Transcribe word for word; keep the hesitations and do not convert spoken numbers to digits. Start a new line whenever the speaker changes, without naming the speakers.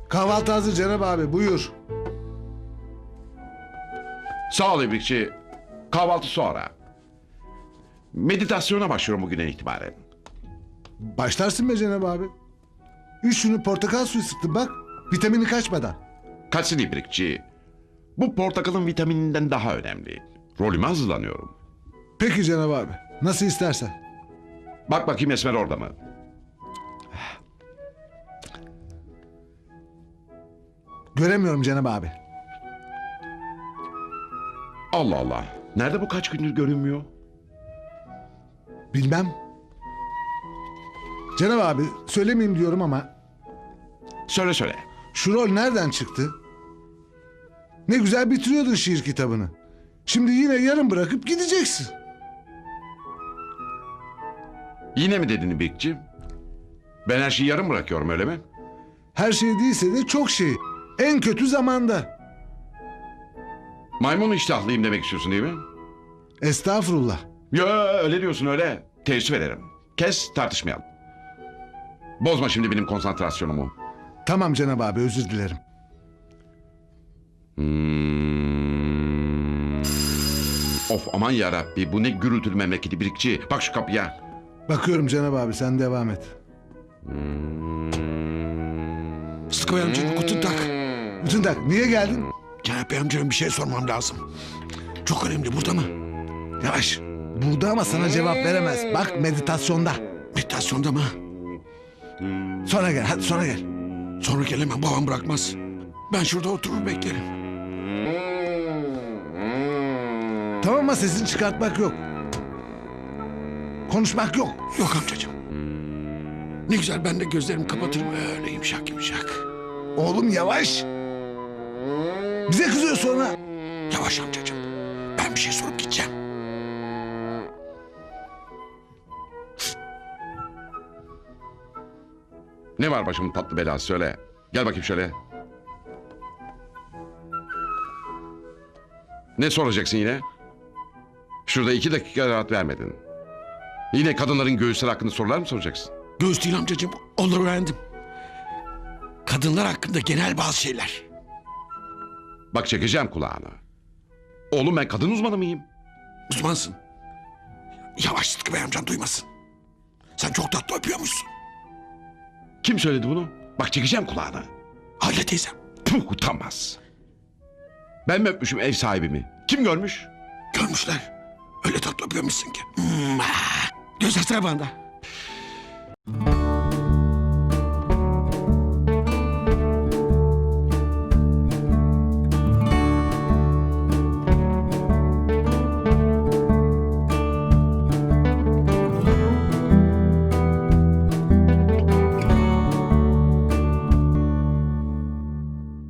Kahvaltı hazır Cenab abi, buyur.
Sağ ol İbrikçi. Kahvaltı sonra. Meditasyona başlıyorum bugünden itibaren.
Başlarsın be Cenab abi. Üç şunu portakal suyu sıktım bak. Vitamini kaçmadan.
Kaçsın İbrikçi. Bu portakalın vitamininden daha önemli. Rolüme hazırlanıyorum.
Peki Cenab abi. Nasıl istersen.
Bak bakayım Esmer orada mı?
Göremiyorum Cenab abi.
Allah Allah. Nerede bu kaç gündür görünmüyor?
Bilmem. Cenab abi söylemeyeyim diyorum ama
Söyle söyle.
şu rol nereden çıktı? Ne güzel bitiriyordun şiir kitabını. Şimdi yine yarım bırakıp gideceksin.
Yine mi dedin İbrikçi? Ben her şeyi yarım bırakıyorum öyle mi?
Her şey değilse de çok şey. En kötü zamanda.
Maymun iştahlıyım demek istiyorsun değil mi?
Estağfurullah.
Yo öyle diyorsun öyle. Teessüf ederim. Kes tartışmayalım. Bozma şimdi benim konsantrasyonumu.
Tamam Cenab abi, özür dilerim.
Hmm. Of aman yarabbi bu ne gürültülü memleketi İbrikçi. Bak şu kapıya.
Bakıyorum Cenab abi, sen devam et.
Sıtkı Bey amcanın guten Tag.
Bütün tak, niye geldin?
Cenap Bey amcanın bir şey sormam lazım. Çok önemli, burada mı?
Yavaş. Burada ama sana cevap veremez. Bak meditasyonda.
Meditasyonda mı?
Sonra gel, hadi sonra gel.
Sonra gelemem, babam bırakmaz. Ben şurada oturur beklerim.
Tamam ama sesini çıkartmak yok. Konuşmak yok.
Yok amcacığım. Ne güzel ben de gözlerimi kapatırım öyle yumuşak yumuşak.
Oğlum yavaş. Bize kızıyor sonra.
Yavaş amcacığım. Ben bir şey sorup gideceğim.
Ne var başımın tatlı belası söyle. Gel bakayım şöyle. Ne soracaksın yine? Şurada iki dakika rahat vermedin. Yine kadınların göğüsleri hakkında sorular mı soracaksın?
Göğüs değil amcacığım, onları öğrendim. Kadınlar hakkında genel bazı şeyler.
Bak çekeceğim kulağını. Oğlum ben kadın uzmanı mıyım?
Uzmansın. Yavaş Sıtkı Bey amcan duymasın. Sen çok tatlı öpüyormuşsun.
Kim söyledi bunu? Bak çekeceğim kulağını.
Halide teyzem.
Puh utanmaz. Ben mi öpmüşüm ev sahibimi? Kim görmüş?
Görmüşler. Öyle tatlı öpüyormuşsun ki. Hmm, ah. Göz bana.